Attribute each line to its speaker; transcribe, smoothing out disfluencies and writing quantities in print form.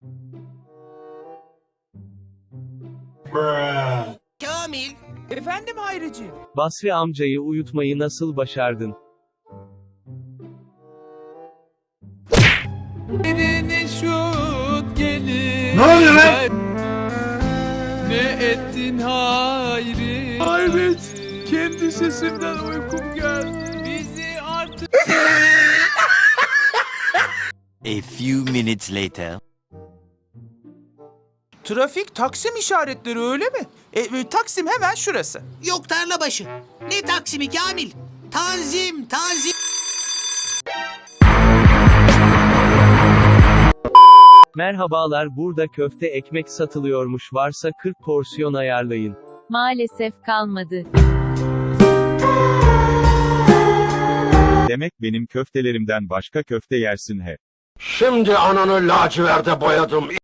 Speaker 1: Kamil.
Speaker 2: Efendim Hayricim.
Speaker 3: Basri amcayı uyutmayı nasıl başardın?
Speaker 2: Birine şut gelir.
Speaker 4: Ne oluyor lan?
Speaker 2: Ne ettin Hayri?
Speaker 4: Hayret, kendi sesimden uykum geldi.
Speaker 2: Bizi artık...
Speaker 1: A few minutes later.
Speaker 2: Trafik Taksim işaretleri öyle mi? Taksim hemen şurası.
Speaker 5: Yok Tarlabaşı. Ne Taksim'i Kamil? Tanzim, Tanzim.
Speaker 3: Merhabalar, burada köfte ekmek satılıyormuş, varsa 40 porsiyon ayarlayın.
Speaker 6: Maalesef kalmadı.
Speaker 7: Demek benim köftelerimden başka köfte yersin he.
Speaker 4: Şimdi ananı laciverde boyadım.